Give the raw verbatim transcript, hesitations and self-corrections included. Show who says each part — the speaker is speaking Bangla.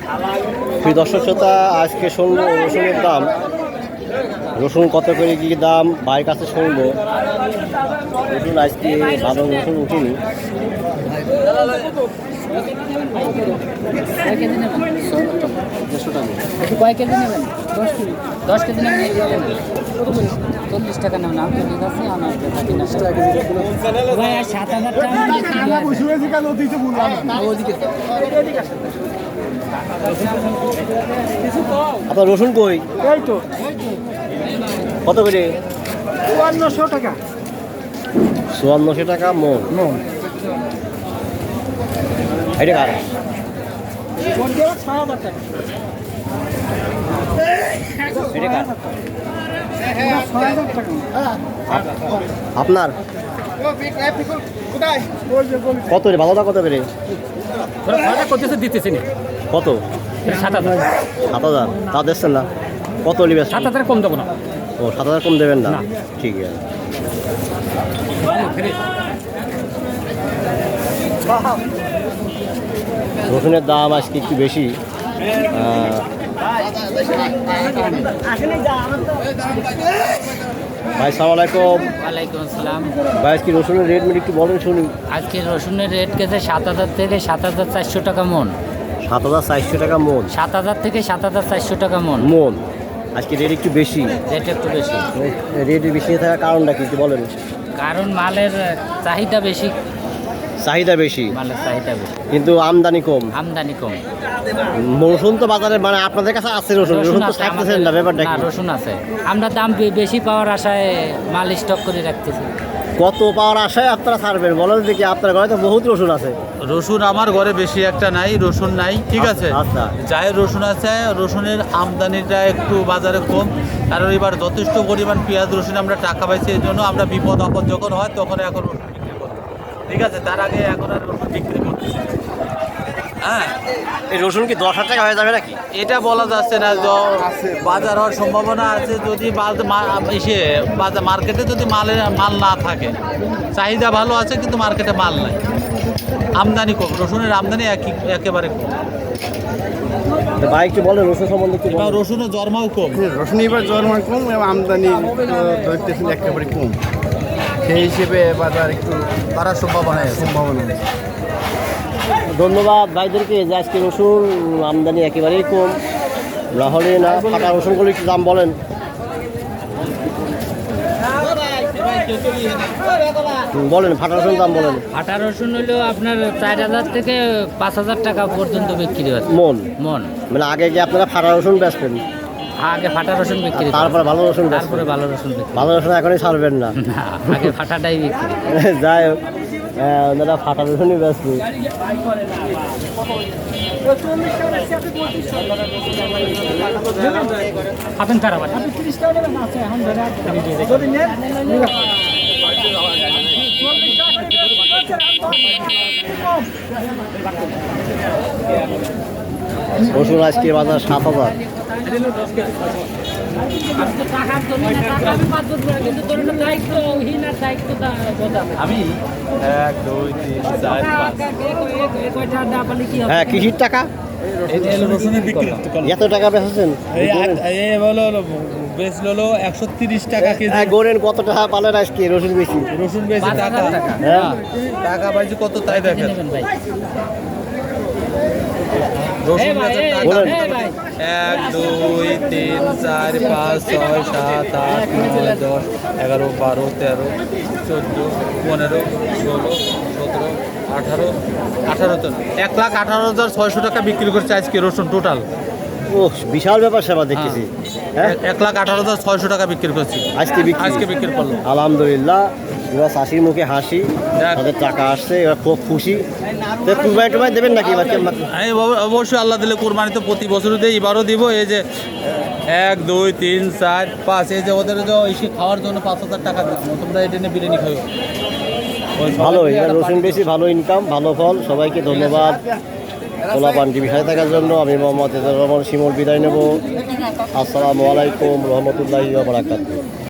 Speaker 1: সেই দর্শক শ্রোতা আজকে শুনবো রসুনের দাম, রসুন কত করে কী দাম ভাইয়ের কাছে শুনবো। রসুন আজকে ভালো রসুন উঠিনি।
Speaker 2: কয় কেজি নেবেন? দশ কেজি দশ কেজি নেবেন, চল্লিশ টাকা নেবেন। আমি ঠিক আছে আমার সাত হাজার টাকা।
Speaker 1: আপনার রসুন কই?
Speaker 3: এই তো
Speaker 1: কত করে?
Speaker 3: চুয়ান্নশো টাকা
Speaker 1: চুয়ান্নশো টাকা মন।
Speaker 3: মন
Speaker 1: এটা কার?
Speaker 3: ছয় হাজার টাকা
Speaker 1: এটা কার?
Speaker 3: ছয় হাজার টাকা
Speaker 1: আপনার কত রে? ভালোটা কত করে?
Speaker 2: করতেছে দিতেছি না।
Speaker 1: কত?
Speaker 2: সাত হাজার
Speaker 1: সাত হাজার তা দেখছেন না? কত নিবে?
Speaker 2: সাত হাজার কম দেবো না।
Speaker 1: ও সাত হাজার কম দেবেন না? ঠিক আছে। রসুনের দাম আজকে একটু বেশি। ভাই সালাম আলাইকুম।
Speaker 2: ওয়ালাইকুম আসসালাম।
Speaker 1: ভাই আজকে রসুনের রেট মেট একটু বলেন শুনি।
Speaker 2: আজকে রসুনের রেট গেছে সাত হাজার থেকে সাত হাজার চারশো টাকা মন।
Speaker 1: সাত হাজার চারশো টাকা মন?
Speaker 2: সাত হাজার থেকে সাত হাজার চারশো টাকা মন।
Speaker 1: মন আজকে রেট একটু বেশি।
Speaker 2: রেট একটু বেশি।
Speaker 1: রেট বেশি থাকার কারণটা কি একটু বলেন।
Speaker 2: কারণ মালের চাহিদা বেশি।
Speaker 1: চাহিদা বেশি,
Speaker 2: মালের চাহিদা বেশি
Speaker 1: কিন্তু আমদানি কম।
Speaker 2: আমদানি কম।
Speaker 1: রসুন তো বাজারে মানে আপনাদের কাছে আছে রসুন, রসুন তো থাকতেছেন না, ব্যাপারটা
Speaker 2: না,
Speaker 1: কি?
Speaker 2: রসুন আছে, আমরা দাম বে- বেশি পাওয়ার আশায় মাল স্টক করে রাখতেছি।
Speaker 1: কত পাওয়ার আশায় আপনারা ছাড়বেন বলেন দেখি? আপনার ঘরে তো বহুত রসুন আছে।
Speaker 4: রসুন আমার ঘরে বেশি একটা নাই, রসুন নাই, ঠিক আছে।
Speaker 1: আচ্ছা।
Speaker 4: যাই রসুন আছে, রসুনের আমদানিটা একটু বাজারে কম, কারণ এবার যথেষ্ট পরিমাণ পেঁয়াজ রসুন আমরা টাকা পাইছি, এই জন্য আমরা বিপদ আপদ যখন হয় তখন এখন রসুন বিক্রি করি, ঠিক আছে। তার আগে এখন আর রসুন বিক্রি করতেছি। হ্যাঁ,
Speaker 1: এই রসুন কি দশ হাজার টাকা হয়ে যাবে নাকি?
Speaker 4: এটা বলা যাচ্ছে না, য- বাজার হওয়ার সম্ভাবনা আছে যদি বাজ- মা- এসে বাজার মার্কেটে যদি মালের মাল না থাকে। চাহিদা ভালো আছে কিন্তু মার্কেটে মাল নাই, আমদানি কম, রসুনের আমদানি একই একেবারে কম।
Speaker 1: ভাই একটু বলেন রসুন সম্বন্ধে একটু
Speaker 4: এবার
Speaker 1: বলেন।
Speaker 4: রসুনের জন্মাও কম।
Speaker 3: রসুন এবার জন্মান কম এবং আমদানি ধরতেছেন একেবারে কম, সেই হিসেবে বাজার একটু
Speaker 4: বাড়ার সম্ভাবনা আছে।
Speaker 3: সম্ভাবনা আছে।
Speaker 1: ধন্যবাদ ভাইদেরকে যে আজকে রসুন আমদানি একেবারেই কম। না হলে না ফাটা রসুনগুলো একটু দাম বলেন। হুম, বলেন ফাটা রসুন দাম বলেন।
Speaker 2: আটা রসুন হলো আপনার চার হাজার থেকে পাঁচ হাজার টাকা পর্যন্ত বিক্রি হচ্ছে
Speaker 1: মন
Speaker 2: মন।
Speaker 1: মানে আগে কি আপনারা ফাটা রসুন বেচবেন,
Speaker 2: আগে ফাটা রসুন বিক্রি করে,
Speaker 1: তারপরে ভালো রসুন বেচবেন?
Speaker 2: তারপরে ভালো রসুন বিক্রি।
Speaker 1: ভালো রসুন এখনই ছাড়বেন না?
Speaker 2: না, আগে ফাটাটাই বিক্রি।
Speaker 1: যাই হোক, আহ, ওনারা ফাটা রসুনই বেচবে।
Speaker 2: আপনি খারাপ আছে।
Speaker 1: রসুন আজকে বাজার সাত হাজার।
Speaker 4: আমি এক দুই তিন চার পাঁচ,
Speaker 1: হ্যাঁ কৃষির টাকা
Speaker 4: এটা হলো রসুনের বিক্রি করলাম।
Speaker 1: এত টাকা বেচেছেন?
Speaker 4: এই আট- এই হলো হলো বেশ হলো একশো তিরিশ টাকা কেজি।
Speaker 1: হ্যাঁ, গোরেন কত টাকা পালেন আজকে রসুন বেশি?
Speaker 4: রসুন বেশি
Speaker 2: পাঁচ
Speaker 4: টাকা,
Speaker 2: হাজার টাকা।
Speaker 1: হ্যাঁ
Speaker 4: টাকা পাইছি কত তাই দেখেন।
Speaker 2: ভাই
Speaker 4: রসুন বেচার টাকা
Speaker 1: বলেন।
Speaker 4: এক দুই তিন চার পাঁচ ছয় সাত আট নয় দশ এগারো বারো তেরো চোদ্দো পনেরো ষোলো সতেরো আঠারো আঠারো তো এক লাখ আঠারো হাজার ছয়শো টাকা বিক্রি করছে আজকে রসুন টোটাল।
Speaker 1: ও বিশাল ব্যাপার সেবা দেখতেছি। হ্যাঁ
Speaker 4: এক লাখ আঠারো হাজার ছয়শো টাকা বিক্রি করছি
Speaker 1: আজকে বিক্রি?
Speaker 4: আজকে বিক্রি করলো।
Speaker 1: আলহামদুলিল্লাহ, এবার চাষির মুখে হাসি,
Speaker 4: যাক।
Speaker 1: তাদের টাকা আসছে, এবার খুব খুশি। তো কুরবানি টুরবানি দেবেন নাকি এবার? কেমন?
Speaker 4: আমি অব- অবশ্যই আল্লাহ দিলে কোরবানি তো প্রতি বছরই দিই, এবারও দিব। এই যে এক দুই তিন চার পাঁচ, এই যে ওদের যে এসে খাওয়ার জন্য পাঁচ হাজার টাকা দিলাম, তোমরা এটা নিয়ে বিরিয়ানি খাও।
Speaker 1: ভালো, এবার রসুন বেশি, ভালো ইনকাম, ভালো ফল। সবাইকে ধন্যবাদ পোলাপান টিভি সাথে থাকার জন্য। আমি মোহাম্মদ এজাজুর রহমান শিমুল বিদায় নেব। আসসালামু আলাইকুম রহমতুল্লাহি ওয়া বারাকাতুহু।